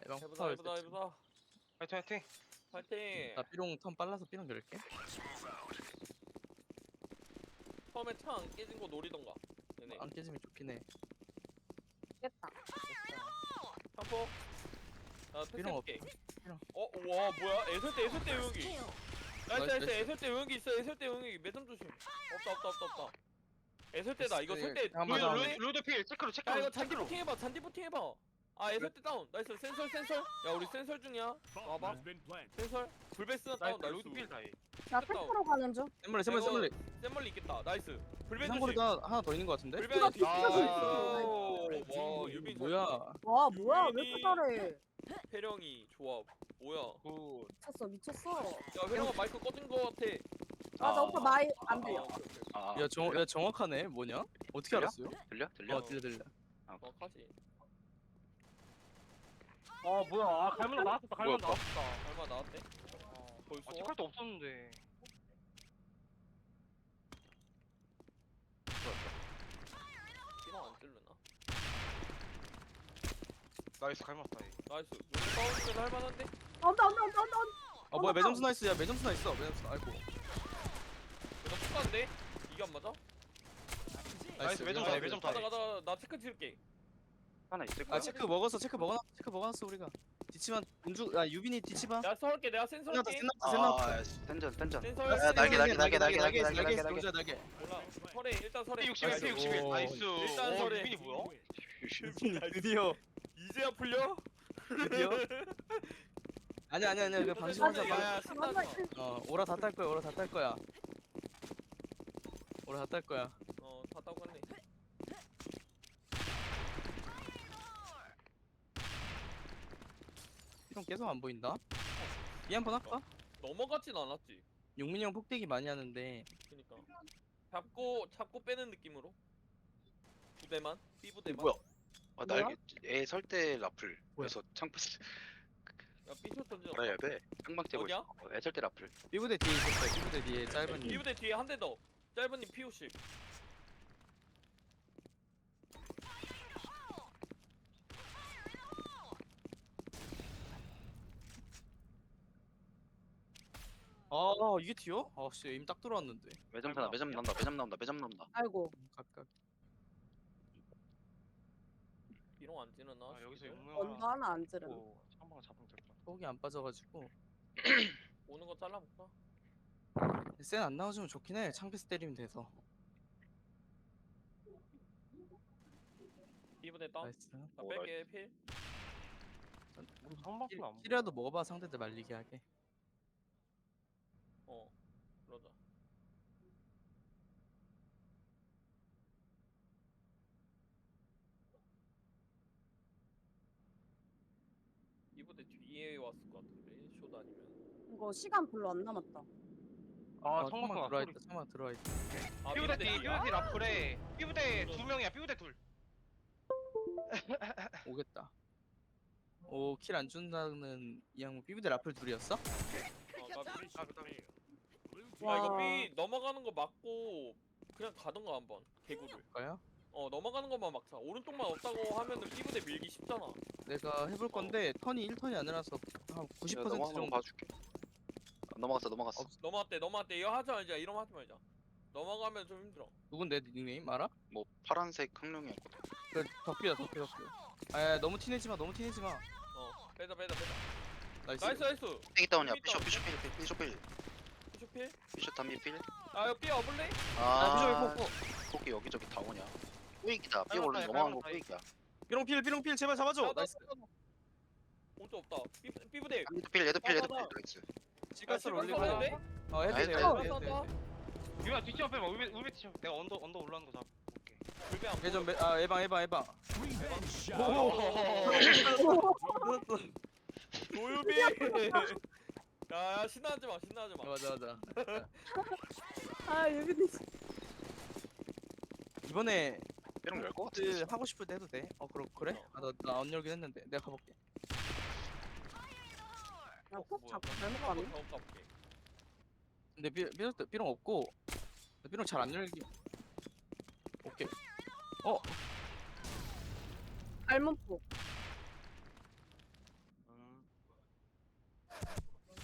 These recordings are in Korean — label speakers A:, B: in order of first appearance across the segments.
A: 에방
B: 해보자
A: 폭발
B: 해보자
A: 세트.
B: 해보자.
C: 화이팅 화이팅.
B: 파이팅.
A: 나 삐롱 턴 빨라서 삐롱 열게.
B: 처음에 차 안 깨진 거 노리던가. 네네.
A: 안 깨지면 좋긴 해.
D: 깼다.
B: 탐포. 나
A: 삐롱
B: 패스해볼게.
A: 삐롱.
B: 와 뭐야? 애설대 용기. 나이스
A: 나이스,
B: 나이스.
A: 나이스.
B: 애설대 용기 있어. 애설대 용기. 매점 조심. 없다. 애설대다. 이거
A: 패스.
B: 설대.
A: 한 번 더.
C: 루드필 체크로
B: 야
C: 체크로.
B: 이거 잔디 부팅 해봐. 잔디 부팅 해봐. 아 애설대 다운. 나이스. 센설. 야 우리 센설 중이야. 와봐. 센설. 불베스 다운. 나이스.
C: 루드필 다이.
D: 나 탱크로 가는 중.
A: 샘물리
B: 샘멀리 있겠다. 나이스. 불베 조심.
A: 상거리가 하나 더 있는 것 같은데?
B: 불베
D: 이거
B: 조심.
D: 뒤집어져
B: 와 유빈
A: 뭐야?
D: 와 뭐야 왜 이렇게 잘해?
B: 회령이 좋아. 뭐야?
C: 굿.
D: 미쳤어.
B: 야 회령아 마이크 꺼진 거 같아.
D: 맞아 오빠 마이 안
B: 아,
D: 들려.
B: 오케이.
E: 아,
A: 야 정확하네. 뭐냐? 어떻게
E: 들려?
A: 알았어요?
E: 들려?
A: 어 들려.
B: 정확하지.
C: 뭐야? 아 갈문 나왔다. 갈문
E: 뭐야,
C: 나왔다.
B: 얼마 나왔대? 벌써?
C: 아 체크할 때 없었는데.
B: 피랑 안 찔르나?
C: 나이스 갈문 다이.
B: 나이스. 용싸우면 할만한데?
D: 온다.
A: 아 뭐야 매점수 나이스야. 매점수 나 있어. 매점수. 아이고.
B: 나 축가인데? 이게 안 맞아?
C: 나이스, 매점
A: 미안하다.
C: 다이, 매점 다이.
B: 가자. 나 체크 찍을게.
E: 하나 있을
A: 아
E: 거야.
A: 체크 먹었어 우리가. 뒤치만 은주 아 유빈이 뒤치봐.
B: 내가 설할게. 내가 센서
A: 끝났다
B: 할게.
A: 끝났다.
E: 텐전.
B: 센서
E: 야,
B: 할게.
E: 날개.
A: 놀자 날개.
B: 몰라. 설해. 일단 설해.
C: 61.
A: 오.
C: 나이스.
B: 일단 설해.
C: 유빈이 뭐야?
A: 유빈이 드디어
B: 이제야 풀려?
A: 드디어. 아니야 그 방심 하자.
B: 야, 신나서.
A: 오라 다 딸 거야. 오라 다 딸 거야.
B: 다 따고 갔네.
A: 형 계속 안 보인다. 이 한 번 할까?
B: 넘어갔진 않았지.
A: 용민이 형 폭대기 많이 하는데
B: 그니까. 잡고 빼는 느낌으로. 부대만. B부대만.
E: 뭐야? 아 날개. 애 설대 라플. 그래서 창패스
B: 야 B쇼 던져.
E: 알아야 돼. 창방 째고
B: 어디야?
E: 있어. 애 설대 라플.
A: B부대 뒤에 있었어. B부대 뒤에 짧은 님.
B: B부대 뒤에 한 대 더. 짧은님 P50.
A: 아 이게 튀어? 아씨 에임 딱 들어왔는데.
E: 매점 나온다.
D: 아이고.
A: 각각.
B: 비롱 안 찌르나?
C: 아 여기서
B: 싶은데?
C: 용무야.
D: 언더 하나 안 지르네.
C: 창방 잡으면 될 거.
A: 속이 안 빠져가지고.
B: 오는 거 잘라볼까?
A: 센 안 나와주면 좋긴 해. 창패스 때리면 돼서.
B: B부대 다운.
A: 나이스.
B: 나
E: 오,
B: 뺄게 필.
C: 창방은 안 보여.
A: 힐이라도 먹어봐 상대들 말리게 하게.
B: 그러자. B부대 뒤에 왔을 것 같은데 쇼도 아니면.
D: 이거 시간 별로 안 남았다.
C: 아
A: 창만
C: 창방
A: 들어와 있다. 창만 들어와 있다.
B: 아
C: 삐부대 뒤
B: 뒤야?
C: 삐부대 라플에 삐부대 두 명이야. 삐부대 둘.
A: 오겠다. 오 킬 안 준다는 이 양반 B부대 라플 둘이었어?
C: 그다음에
B: 아 이거
D: 와.
B: B 넘어가는 거 맞고 그냥 가던가 한번 개구를.
A: 볼까요?
B: 넘어가는 것만 막자. 오른쪽만 없다고 하면은 B부대 밀기 쉽잖아.
A: 내가 해볼 건데 턴이 1턴이 아니라서 한 90%
E: 넘어가는 거
A: 정도.
E: 봐줄게. 넘어갔어.
B: 넘어갔대. 이거 하지 말자. 이러면 하지 말자. 넘어가면 좀 힘들어.
A: 누군데 닉네임 알아?
E: 뭐 파란색 항룡이었거든.
A: 그 덕비야. 아 너무 티내지 마.
B: 빼자.
A: 나이스.
B: 나이스.
E: 땡이 다운이야.
B: 삐 다운.
E: 피쇼필.
B: 피쇼필.
E: 피쇼 담비 필.
B: 아 이거 B 와볼래?
A: 아 비숍이
E: 아.
A: 폭포.
E: 거기 여기저기 다오냐. 꾸익이다. 삐
C: 빨리
E: 올라
C: 빨리
E: 넘어간 거
C: 빨리
E: 꾸익이야.
A: 삐롱필 제발 잡아줘. 나이스.
B: 오른쪽 없다. B부대.
E: 얘도 필.
B: 맞아.
E: 나이스.
A: 시가스를 올리고.
B: 하는데?
A: 해도 돼.
E: 아,
A: 해도 돼.
C: 유야 뒤치 앞에 봐. 울베 뒤치. 내가 언더 올라오는 거 잡을게.
B: 불배 안
A: 예전
B: 보여.
A: 에방.
B: 조유비. 야 신나하지 마.
A: 맞아.
D: 아 여기
A: 이번에
E: 삐롱 열거
A: 그
E: 같은데.
A: 하고 싶을 때 해도 돼. 그래? 나안 열긴 했는데 내가 가볼게.
D: 나폭 잡고 잘못
B: 한번
D: 가네.
B: 더 가볼게.
A: 근데 삐롱 없고 삐롱 잘 안 열기. 오케이.
D: 갈문폭.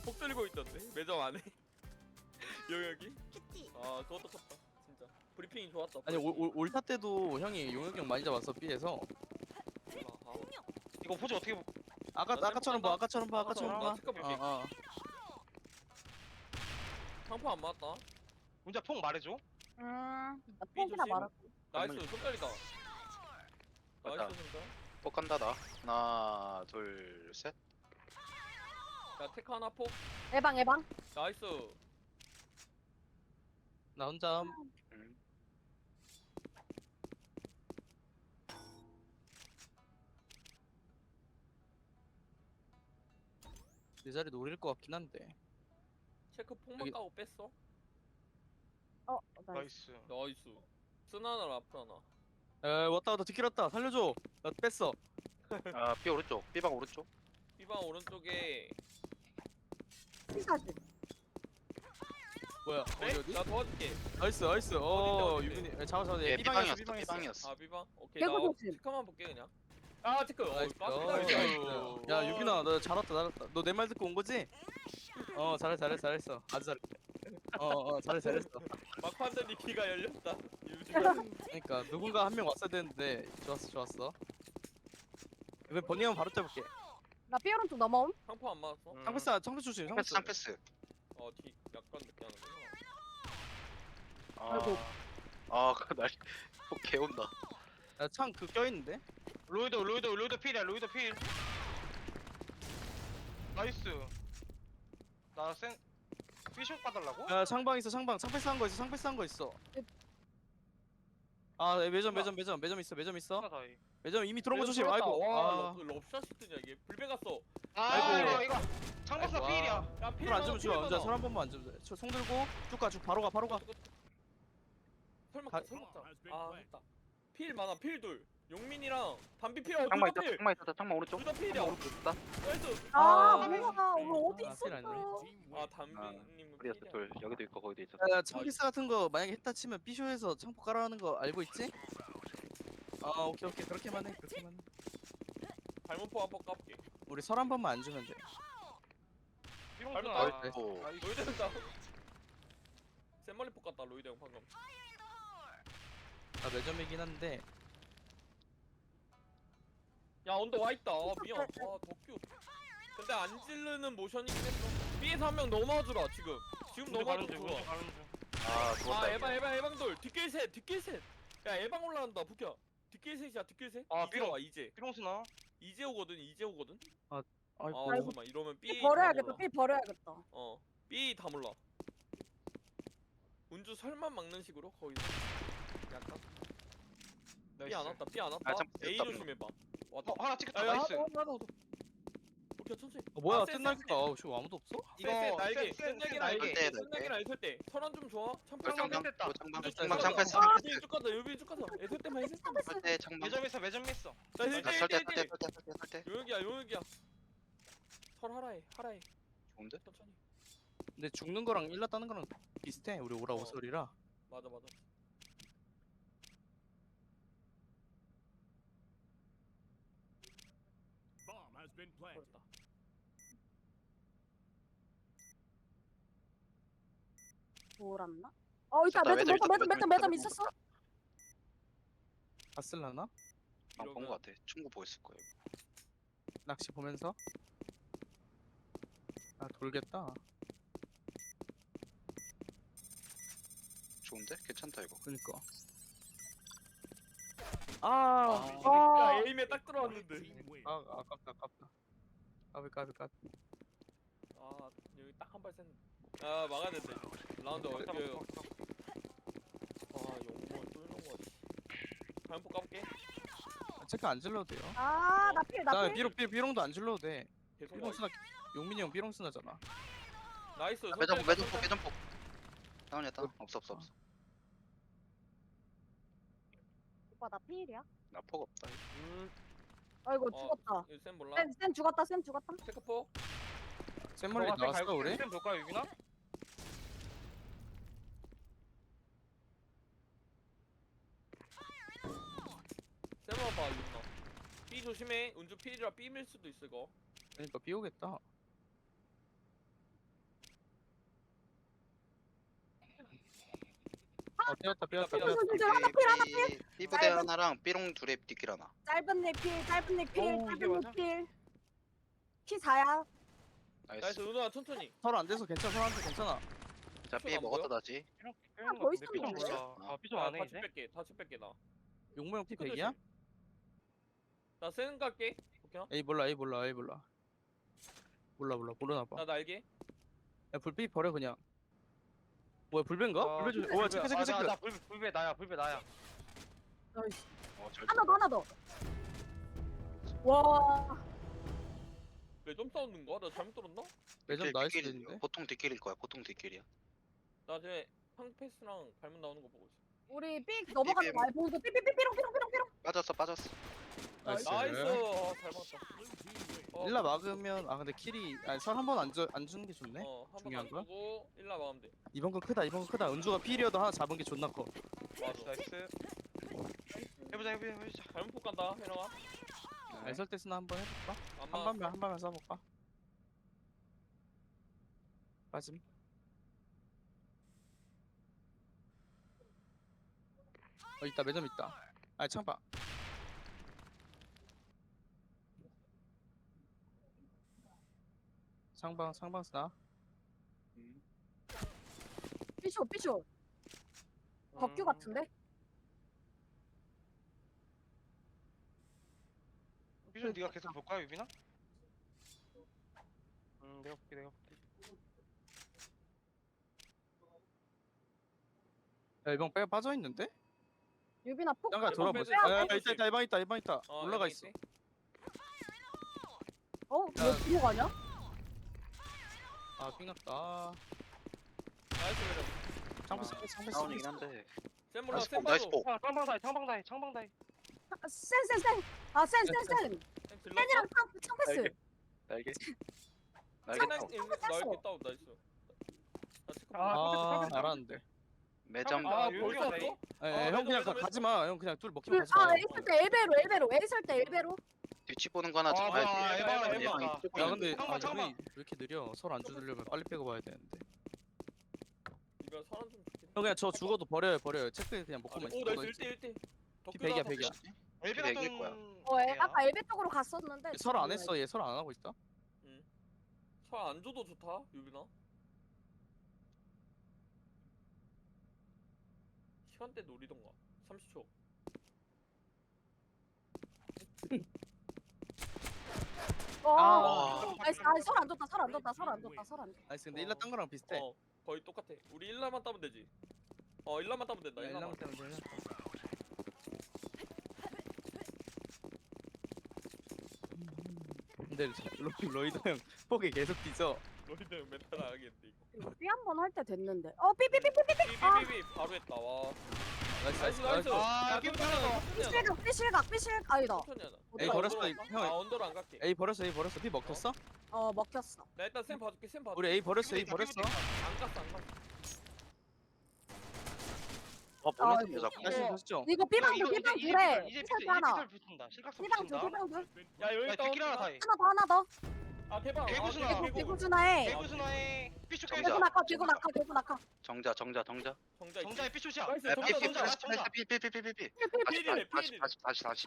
B: 폭 들고 있던데 매점 안에 영역이. 아 그것도 컸다 진짜. 브리핑이 좋았다.
A: 아니
B: 브리핑이.
A: 올타 때도 형이 용혁이 형 많이 잡았어 B에서.
B: 아,
C: 이거 포즈 어떻게 보-
A: 아까처럼 봐 아까처럼 봐 아까처럼 봐.
B: 체크 볼게.
A: 어.
B: 상포 안 맞다.
A: 음.
C: 혼자 폭 말해줘.
D: 나 폰이나
B: 조심.
D: 말았어.
B: 나이스 손깔리다.
E: 맞다.
B: 나이스 손깔.
E: 폭 간다 나. 하나 둘 셋.
B: 야 테크 하나 폭.
D: 예방.
B: 나이스.
A: 나 혼자
E: 음.
A: 내 자리 노릴 것 같긴 한데.
B: 체크 폭만
A: 여기-
B: 까고 뺐어.
D: 나이스.
E: 나이스.
B: 나이스. 쓰나나 라프 하나.
A: 에 왔다 뒷길 왔다 살려줘. 나 뺐어.
E: 아 B 오른쪽. B방 오른쪽.
B: B방 오른쪽에.
D: 피사지.
A: 뭐야
B: 네?
A: 어디?
B: 나 도와줄게.
A: 나이스.
B: 어딘데?
A: 유빈이 잡아.
E: 얘
A: B방이었어.
E: B방이었어. B방이었어.
B: 아 B방? 오케이
D: 개구
B: 나
D: 조심.
B: 체크만 볼게 그냥. 아 체크.
A: 나이스.
B: 나이스.
A: 야 유빈아 너 잘했다. 너 내 말 듣고 온 거지? 잘했어. 아주 잘했어. 잘했어.
B: 막판전이 귀가 열렸다.
A: 그러니까 누군가 한 명 왔어야 되는데 좋았어. 이번 번니 형 바로 잡을게.
D: 나 삐 오른쪽 넘어옴.
B: 상포 안 맞았어?
A: 상패스 조심.
E: 상패스 상패스.
B: 뒤 약간 늦게 하는구나.
D: 아이고.
E: 아날 폭 개온다.
A: 야창 그 껴있는데?
C: 로이드 필이야. 로이드 필. 나이스. 나센 피숍 봐달라고?
A: 야 창방 있어 창방. 상패스 한 거 있어. 아 매점 있어.
C: 하나 다이.
A: 매점 이미 들어온 거 조심.
B: 와
A: 아이고.
B: 럽샷이 뜨냐 이게. 불배 갔어.
C: 아
A: 아이고.
C: 이거 창박사
A: 아이고,
C: 필이야.
B: 야
A: 손 안 주면 좋아. 혼자 손한 번만 안 주면 돼. 손 들고 쭉 가. 바로 가.
B: 설마
A: 가-
B: 설마. 아 했다. 필 많아. 필 둘. 용민이랑 담비 필.
E: 창만
B: 둘다
E: 있다.
B: 필.
E: 창만 있었다. 창만 오른쪽.
B: 둘다 필이야.
E: 창만 오른쪽 있다.
B: 나이스.
D: 아
A: 아,
D: 뭐야? 오늘 어디
A: 아, 필 아니네.
D: 있었어?
B: 아 담비님은
E: 우리였어
B: 필이야.
E: 둘. 여기도 있고 거기도 있었어.
A: 야 창피스 같은 거 만약에 했다 치면 B쇼에서 창포 깔아하는 거 알고 있지? 오케이 그렇게만 해.
B: 발목포 한번 까볼게.
A: 우리 설 한 번만 안 주면 돼.
C: 삐롱
B: 발목
C: 누나.
B: 나올
E: 아이고.
B: 로이드 형 다운. 샘멀리 폭 같다 로이드 형 방금.
A: 나 매점이긴 한데.
B: 야 언더 와 있다. 미안. 덕규. 근데 안 찌르는 모션이긴 했어. B에서 한 명 넘어주라 지금. 지금 넘어도 좋아.
E: 아 죽었다.
B: 아 에방돌 뒷길 셋. 야 에방 올라간다 부켜. 뒷길 셋이야 뒷길 셋.
C: 아,
B: 이제
C: 삐롱.
B: 와 이제.
C: 삐롱 스나.
B: 이제 오거든.
A: 아이고.
B: 잠깐만 이러면 B 다
D: 버려야겠다.
B: 몰라.
D: 삐 버려야겠다.
B: B 다 몰라. 운주 설만 막는 식으로 거기서. 약간. B 안 왔다. B 안 왔다.
E: 아, 참,
B: A
E: 됐다,
B: 조심해봐. 왔다.
C: 하나 찍혔다.
B: 야,
C: 나이스.
B: 나도. 오케이 천천히.
A: 뭐야
B: 센,
A: 뜬날까? 지금 아무도 없어?
B: 이거 날개.
C: 센
B: 센
C: 날개.
B: 날개.
E: 날개.
B: 센 날개랑 애설 때. 설한 좀 좋아. 참고.
C: 창방 됐다.
E: 창방
B: 쭉
E: 창방
B: 가자.
E: 창패스
B: 아,
E: 창패스.
B: 쭉 가자. 유빈 쭉 가자. 애설 때만 애설 때만.
E: 설대 창방.
C: 매점 있어.
B: 나
E: 아, 설대
B: 힐.
E: 설대.
B: 용혁이야. 설 하라해.
E: 좋은데?
B: 천천히.
A: 근데 죽는 거랑 일라 따는 거랑 비슷해. 우리 오라 오설이라.
B: 맞아. 그렇다.
D: 돌았나? 있다.
E: 있었다,
D: 매점 있었어.
A: 봤을라나?
E: 본거 같아. 충고 보였을 거예요.
A: 낚시 보면서. 아 돌겠다.
E: 좋은데? 괜찮다 이거.
A: 그니까.
B: 야 에임에 딱 들어왔는데.
A: 아깝다. 까비.
B: 아 여기 딱 한 발 쐈는데. 아 막아야 된다. 라운드 어디? 용모 뚫는 거. 발목포 까볼게.
A: 체크 안 질러도 돼요.
D: 나 필.
A: 나 B롱도 안 질러도 돼.
B: 계속
A: B롱 쓰나 용민이 형 B롱 쓰나잖아.
B: 나이스.
E: 매점폭. 다운이었다. 없어.
D: 오빠 나 필이야.
E: 나 폭 없다.
D: 아이고 죽었다.
B: 이거 쌤 몰라.
D: 센 죽었다.
B: 체크포.
A: 샘멀리 나왔어 우리?
C: 쌤 볼까 유빈아?
B: 쌤만 봐 윤나. B 조심해. 운주 P이라 B 밀 수도 있어 이거.
A: 그러니까 B 오겠다. 뛰었다
B: 삐다.
D: 하나 필 하나 필.
E: 삐부대 하나랑 삐롱 둘에 뒷길 하나.
D: 짧은 넥필 짧은 넥필
C: 어우, 이게
D: 짧은
C: 맞아?
D: 넥필. 피 4야.
E: 나이스.
B: 나이스 은호야 천천히.
A: 서로 안 돼서 괜찮아 서로한테 괜찮아.
E: 자, 삐
B: 안
E: 먹었다
B: 보여?
E: 다시.
C: 삐롱
D: 더
C: 근데
D: 있으면
C: 삐좀
D: 되지?
C: 몰라. 아 삐좀 안해
B: 다치
C: 이제.
B: 뺄게. 다치 뺄게 나.
A: 용모형 피
B: 피크
A: 100이야?
B: 나 센 갈게. 오케이.
A: A 몰라 A 몰라 A 몰라. 모르나 봐.
B: 나 날개.
A: 야 불빛 버려 그냥. 뭐야 불배인가?
C: 아,
A: 불배 좀. 와 체크 체크 체크.
C: 나 불배 나야 불배 나야.
D: 나이스.
E: 절.
D: 하나 더. 와.
B: 매점 싸우는 거야? 나 잘못 들었나?
A: 매점 나이스 됐는데.
E: 보통 뒷길일 거야. 보통 뒷길이야.
B: 나 이제 황패스랑 발문 나오는 거 보고 있어.
D: 우리 삑 넘어가지
E: 삐, 삐,
D: 말고 삐삐삐삐롱.
E: 빠졌어.
A: 나이스.
B: 나이스. 아, 잘 맞다.
A: 일라 막으면 아 근데 킬이 아니 설 한 번 안 주는 게 좋네.
B: 한번
A: 중요한 거야?
B: 주고 일라 마음 돼.
A: 이번 건 크다. 은주가 필이어도 하나 잡은 게 존나 커.
C: 나이스 나이스. 해보자.
B: 발문 폭 간다. 해랑아.
A: 알설 때 쓰나 한번 해볼까?
B: 안
A: 한
B: 맞았어.
A: 번만 써볼까? 빠짐. 있다 매점 있다. 아 창봐. 상방 쓰나?
D: 삐쇼. 덕규 같은데?
C: 삐좀 네가 계속 볼 거야 유빈아? 내가 볼게.
A: 야 이번 빼 빠져 있는데?
D: 유빈아 폭.
A: 잠깐
B: 이번
A: 돌아보자.
B: 빼지.
A: 야 이방 있다. 올라가 있어.
D: 왜 뒤로 가냐?
A: 아 삥났다.
B: 나이스 매점.
A: 창패
E: 다운이긴 한데.
B: 센 몰라.
E: 나이스
B: 센
E: 폭. 나이스
B: 봐줘.
E: 폭.
C: 창방다이.
D: 센. 아 센.
B: 센 질러.
D: 센이랑 창패스.
E: 날개.
B: 센
E: 날개.
B: 날개 다운 나이스. 나 체크.
A: 아 알았는데.
E: 매점.
B: 아
C: 여기가
B: 벌써
C: 나이?
B: 왔어?
A: 형 그냥
B: 매점.
A: 가지마. 형 그냥 둘 먹히면 가지마.
D: 아 있을 때 엘베로. 있을 때 엘베로.
E: 뒤치 보는 거 하나
C: 아,
E: 잡아야
C: 봐,
E: 돼.
C: 에바,
E: 얘방
C: 에바.
E: 이쪽
A: 야
E: 보이는데.
A: 근데
C: 창봐, 창봐.
A: 왜 이렇게 느려? 설 안 주려면 빨리 빼고 봐야 되는데.
B: 이거 사람 좀 좋긴.
A: 형 그냥 저 죽어도 버려요. 체크 그냥 먹고만
B: 오
A: 있어.
B: 나이스 1대.
A: 피 100이야.
C: 엘비
E: 내 얘기일
C: 같은.
E: 거야.
D: 아까 엘베 쪽으로 갔었는데.
A: 설 안 했어. 얘 설 안 하고 있다.
B: 설안 줘도 좋다 유빈아. 시간대 노리던가. 30초.
D: 와. 나이스. 설안 줬다.
A: 나이스 근데 일라 딴 거랑 비슷해.
B: 거의 똑같아. 우리 일라만 따면 되지. 일라만 따면 된다.
A: 야,
B: 일라만.
A: 일라만 때문에 되네. 근데 로이드 형 폭에 계속 뒤져.
B: 너희들 멘탈 나가겠는데 이거.
D: 삐 한 번 할 때 됐는데. 삐삐삐삐삐.
B: 삐삐삐 바로 했다. 와.
A: 나이스.
B: 나이스.
C: 아,
B: 야,
C: 게임
B: 천천히 하자, 천천히 하자.
D: 삐실각. 아니다.
B: 천천히 하자.
A: 에이,
B: 나
A: 버렸어,
B: 언더로 갈까?
A: 형.
B: 아 언더로 안 갈게.
A: A 버렸어. 피 먹혔어?
D: 먹혔어.
B: 나 일단 쌤 봐줄게. 쌤 봐줄게.
A: 우리 A 버렸어.
C: 안 갔어.
B: 안 갔어.
E: 보내서 자꾸.
A: 나이스 좋죠.
D: 이거 삐방 둘 둘에.
C: 이제
D: 삐방 하나.
C: 삐설 붙는다. 실각선
D: 삐방 둘.
C: 붙는다.
B: 야 여기
C: 야
B: 있다.
C: 뒷길 하나 다이.
D: 하나 더.
B: 아 대박.
C: 개구수나.
B: 아, 개구.
D: 대구준하에.
C: 개구순화에 삐쇼
E: 정자.
D: 개구 낙하.
E: 정자.
B: 정자.
C: 정자에 삐쇼시야.
B: 나이스.
E: 야,
B: 정자.
C: 정자,
B: 정자.
C: 정자.
E: 삐삐삐삐삐삐.
B: 필이래, 필이래.
E: 다시.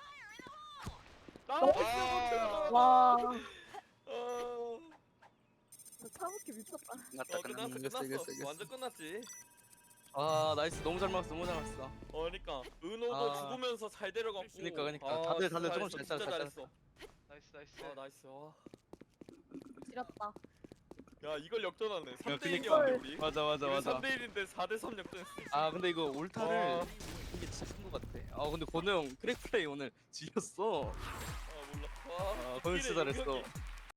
B: 나이스.
D: 와.
B: 어.
D: 차부키 미쳤다.
E: 끝났다.
B: 끝났어.
A: 이겼어.
B: 완전 끝났지.
A: 아 나이스 너무 잘 막았어.
B: 그러니까 은호도
A: 아.
B: 죽으면서 잘 데려갔고.
A: 그러니까.
B: 아,
A: 다들
B: 진짜
A: 조금씩
B: 잘했어,
A: 잘
B: 진짜
C: 나이스.
B: 잘했어. 아 나이스. 와.
D: 지렸다.
B: 야 이걸 역전하네. 3대
A: 그니까.
B: 1이었는데 우리.
A: 맞아.
B: 3대 1인데 4대 3 역전했어.
A: 아 근데 이거 올타를
B: 와.
A: 이게 진짜 큰거 같아. 아 근데 권우 형 크랙 플레이 오늘 지렸어.
B: 아 몰라. 와.
A: 아 권우 진짜 잘했어.